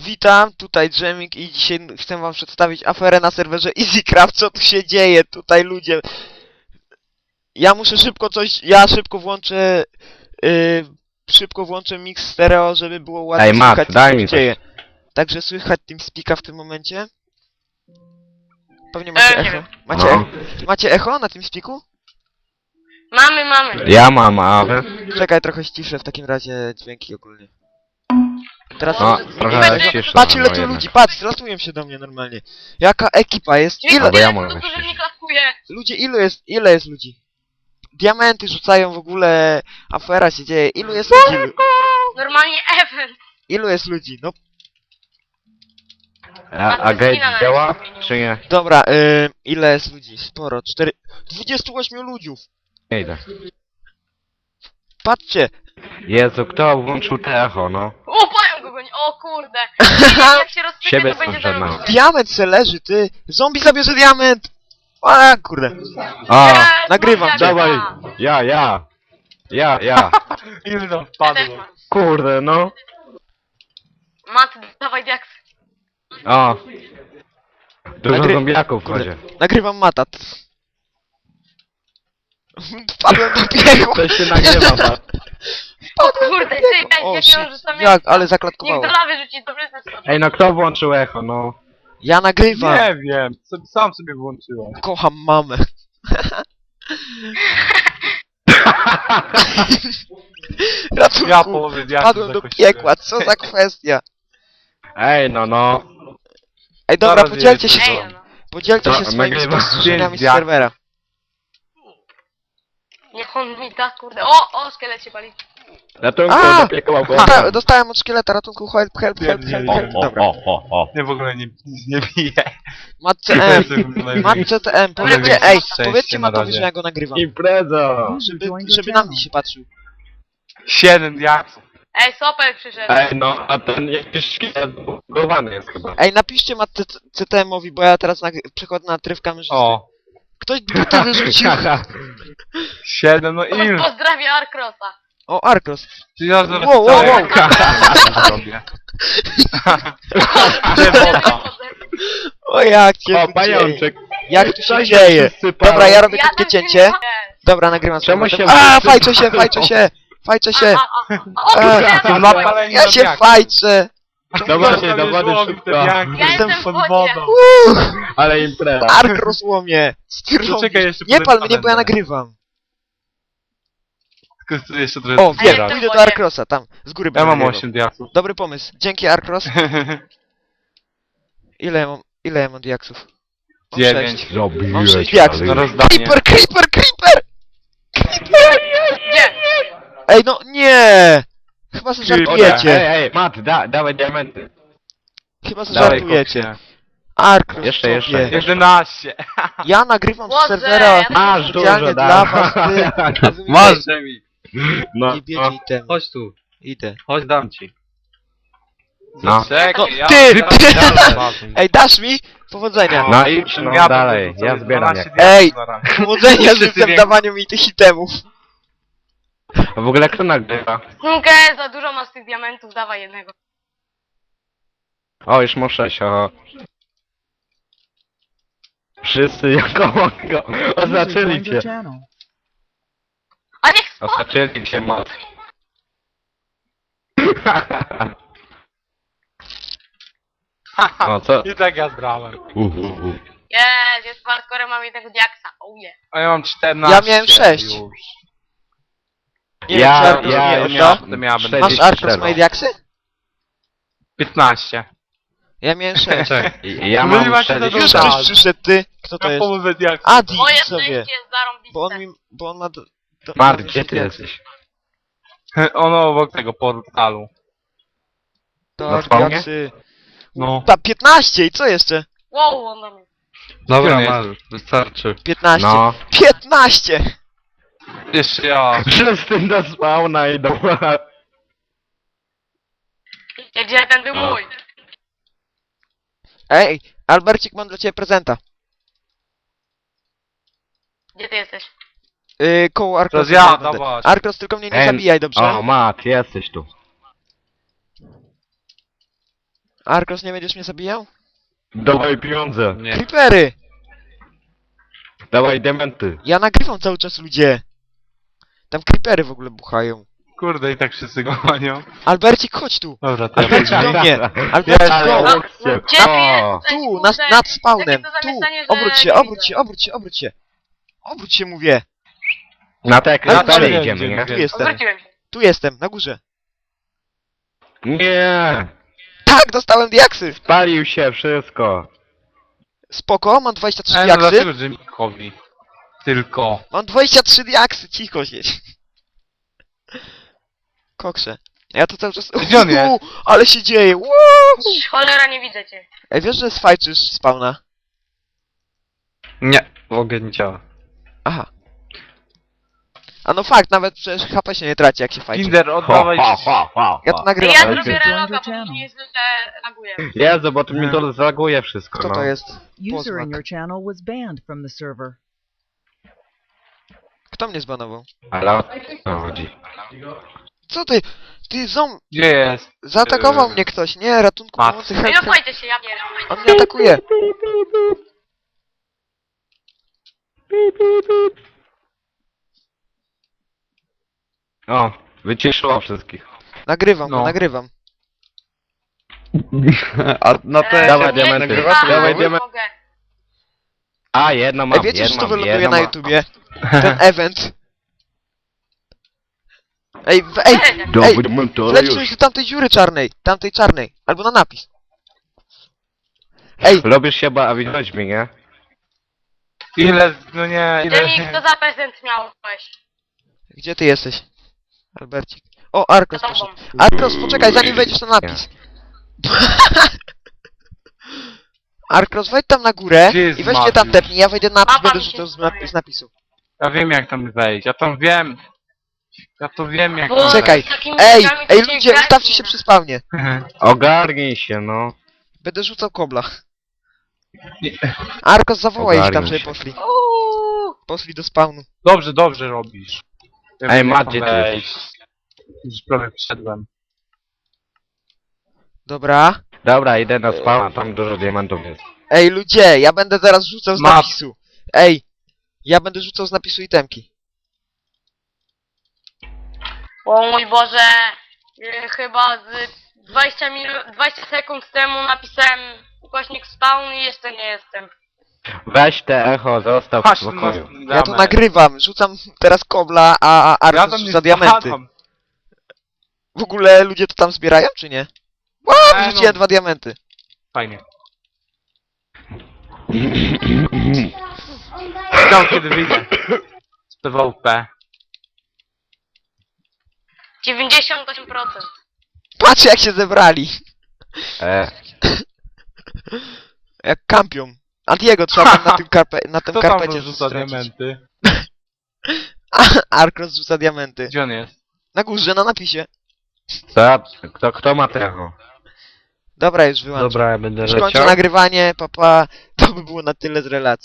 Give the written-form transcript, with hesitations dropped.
Witam, tutaj Dżemik i dzisiaj chcę wam przedstawić aferę na serwerze EasyCraft. Co tu się dzieje tutaj, ludzie? Ja muszę szybko włączę szybko włączę mix stereo, żeby było ładnie Ej, Mat, słychać, co daj się mi dzieje. Także słychać TeamSpeaka w tym momencie. Pewnie macie nie echo. wiem. Macie echo na TeamSpeaku? Mamy. Ja mam, a wy? Czekaj, trochę ściszę w takim razie dźwięki ogólnie. Teraz No, trochę no, ściszę, patrz ile no tu jednak. ludzi, patrz, ratują się do mnie normalnie. Jaka ekipa jest? Dźwięk Ile? Albo ja tyle mogę cudów, że ściść. mnie klaskuje. Ludzie, ile jest ludzi? Diamenty rzucają w ogóle, afera się dzieje. Ilu jest ludzi? Normalnie event. Ilu jest ludzi? No A gate działa, czy nie? dobra, ile jest ludzi? Sporo, 28 ludziów. Nie idę. Patrzcie. Jezu, kto włączył te echo, no? O, pająk go goni. O kurde. Jak się rozsypie, Siebie to będzie stąd żadnego. zarobione. Diament se leży, ty. Zombie zabierze diament. A kurde. A, nagrywam, dawaj. Ja. Ile tam Ja też wpadło? mam. Kurde, no. Mat, dawaj diaks. O. Dużo Nagry- zombiaków Kurde. chodzi. Nagrywam Mata. Wpadłem do piekła. To się nagrywa, Mat. O kurde, ty, O, jak shit. książę sam Jak, ale Niech zaklatkowało. do lawy rzuci, to przyznać sobie. Ej, no kto włączył echo, no? Ja nagrywam. Nie wiem, sam sobie włączyłem. Kocham mamę. Ratunku. Ja połowy diaksów Padłem do zakosiłem. piekła, co za kwestia. Ej, no. Ej, dobra, Zaraz podzielcie się, jedziecie. Ej, no. podzielcie To się swoimi nagrywam spostrzeżeniami z pięć serwera. Niech on mi da, kurde. O, szkielet się pali. Ratunku, A! do piekła Dostałem od szkieleta ratunku, help. Dobra. Nie, w ogóle nic nie bije. Matce M, Matce TM, powiedzcie, ej, powiedzcie na Matowi, razie. że ja go nagrywam. Impreza! Żeby na mnie się patrzył. 7 diaksów. Ej, Sopel przyszedł. Ej, no, a ten jakiś szkielet zbugowany jest chyba. Ej, napiszcie Matce CTM-owi, bo ja teraz przechodzę na tryb kamerzysty. O, Ktoś buta wyrzucił. 7, no ile? Pozdrawia Arkrosa. O, Arkos. Czy ja zaraz Wow. zrobię? Nie, woda. O, jak cię O, tu dzieje. pajączek. Jak tu się Co dzieje? wszyscy palą? Dobra, ja robię Ja krótkie też cięcie. nie mogę. Dobra, nagrywam Czemu z się powrotem. A, wszyscy fajczę się. O, kurde, Są napaleni Ja na się diaks. fajczę. Dawajcie, do wody Złowił szybko. te diaksy. Ja Jestem jestem pod w wodzie. wodą. Ale impreza. Arkros łomie. To czekaj, jeszcze Nie pal podejdę mnie, bo ja będę. nagrywam. Tylko tu jeszcze trochę O, wiem, jestem pójdę w do wodzie. Arkrosa, tam, z góry Ja będę mam nagrywał. 8 diaksów. Dobry pomysł. Dzięki, Arkros. Ile ja mam diaksów? Mam 9. 6. Mam 6 diaksów. Na rozdanie. Creeper! Gdzie? Ej, no nie! Chyba sobie Creeper. żartujecie. Ej, Mat, dawaj diamenty. Chyba sobie Dawaj, żartujecie. koksie. Arkros, Jeszcze. sobie. 11. Ja nagrywam z Boże, serwera ja też Masz specjalnie dużo, dla was, ty. Rozumiecie? Masz, Jamie. No, Nie bierze itemu. Chodź tu. Idę. Chodź, dam ci. No. Czekaj, ja... Ty! Dalej. Ej, dasz mi? Powodzenia. No idź, no Ja dalej, bym ja sobie zbieram 12 je. Ej! diaksów na ramię. Powodzenia Wszyscy życzę w wiem. dawaniu mi tych itemów. A w ogóle kto nagrywa? Okej, za dużo masz tych diamentów, dawaj jednego. O, już muszę się, o. Wszyscy jako mogą. Oznaczyli cię. A niech spod... Oznaczyli cię, Mat. O, co? I tak ja zbrałem. Jest hardcore, mam jednego diaksa. Oh yeah. A ja mam 14. Ja miałem 6. Już. Nie wiem, czy Arkros mnie ja odda. miałem Sześć. Masz Arkros moje diaksy? 15. Ja miałem 6. Ja No mam nie macie na 40. Już Tak. ktoś przyszedł, ty. Kto to Ja jest? połowę diaksów. Adi Moje sobie. szczęście jest zarąbiste. Bo on ma... Mat, gdzie ty jesteś? Ono obok tego portalu. To Na spawnie? diaksy. No. Ta 15 i co jeszcze? Wow, on do mnie. Dobra, masz, wystarczy. 15. No. 15! Jeszcze ja. Wszyscy do spawna idą. Gdzie ten był mój? Ej, Albercik, mam dla ciebie prezenta. Gdzie ty jesteś? Koło Arkrosa. Teraz ja, będę. dawaj. Arkros, tylko mnie nie zabijaj, dobrze? O, Mat, jesteś tu. Arkos, nie będziesz mnie zabijał? Dawaj pieniądze. Nie. Creepery! Dawaj diamenty. Ja nagrywam cały czas, ludzie. Tam creepery w ogóle buchają. Kurde, i tak wszyscy go manią. Albercik, chodź tu. Dobra, to ja Albercik, pójdę. do mnie. Albercik, Ale go. lekcje. Gdzie ty O. jesteś, Tu, kurde? nad spawnem. Jakie to Tu. zamieszanie, że Obróć się, nie obróć widzę. się, obróć się, obróć się. Obróć się, mówię. Na te Ale krystale gdzie- idziemy, nie? Tu jestem. Odwróciłem się. Tu jestem, na górze. Nie. Tak, dostałem diaksy. Spalił się wszystko. Spoko, mam 23 No diaksy. dlaczego Jimmy'kowi? Tylko. Mam 23 diaksy, cicho siedź. Koksze. Ja to cały czas... Gdzie on jest? Ale się dzieje, Woo! Cholera, nie widzę cię. Ej, wiesz, że sfajczysz spawna? Nie, w ogóle nie działa. Aha. A no fakt, nawet przecież HP się nie traci, jak się fajczy. Kinder, Ho, oddawaj... ho, ho, ho, Ja ho. to nagrywam. Ja Ale zrobię ty- reloga, bo mi źle laguje. Jezu, bo to mi to zaguje wszystko, Kto no. to jest? User Pozmak. in your channel was banned from the server. Kto mnie zbanował? Ale o co chodzi? Co ty? Ty Gdzie jest? zaatakował mnie ktoś, nie, ratunku Mat. pomocy, No help, i help. opajcie się, ja nie. On mnie atakuje. O, wyciszyło wszystkich. Nagrywam go, No. nagrywam. A na te... Dawaj nie, diamenty, nie, dawaj nie diamenty. mogę. A, jedno mam, Ej, wiecie, że jedno to mam, wyląduje jedno na mam. YouTubie? Ten event. Ej, ej, Dobry ej, moment, ale wleć już. coś do tamtej dziury czarnej, tamtej czarnej, albo na napis. Ej, Robisz się bawić mi, nie? Ile... No nie, Jamie, ile... kto za prezent miałeś? gdzie ty jesteś? Albercik. O, Arkos Za proszę. tobą. Arkos, poczekaj, zanim wejdziesz na napis. Arkos, wejdź tam na górę Gdzie jest i weź mnie tam Mariusz? tepnij, ja wejdę na napis, Mapa będę mi się rzucał zdaje. z napisu. Ja wiem jak tam wejść, ja tam wiem. Ja to wiem jak Bo tam Czekaj. z takimi Ej, rzeczami ej to ludzie, grać ustawcie nie się da. przy spawnie. wejść. Ogarnij się, no. Będę rzucał kobla. Arkos, zawołaj ich tam, Ogarnij żeby się. poszli. Uuu. Poszli do spawnu. Dobrze, dobrze robisz. Ja Ej, wiem, jak Matt, tam gdzie ty wejść. Już prawie wszedłem. Dobra. Dobra, idę na spawna, tam dużo diamentów jest. Ej ludzie, ja będę zaraz rzucał z Map. napisu. Ej, ja będę rzucał z napisu itemki. O mój Boże. Chyba z 20 sekund temu napisałem ukośnik spawn i jeszcze nie jestem. Weź te echo, zostaw w Patrz, spokoju. Ja to nagrywam, rzucam teraz kobla, a Ja Arkos tam nie rzuca diamenty. spadam. W ogóle ludzie to tam zbierają, czy nie? Wow, no. rzuciłem 2 diamenty. Fajnie. Czekam kiedy wyjdę. Z PvP. 98%. Patrz jak się zebrali. Jak kampią. Antiego trzeba tam na tym Kto tam karpecie rzuca stracić. diamenty? Arkos rzuca diamenty. Gdzie on jest? Na górze, na napisie. Kto ma te echo? Dobra, już wyłączam. Dobra, ja będę Już kończę nagrywanie, papa. To by było na tyle z relacji.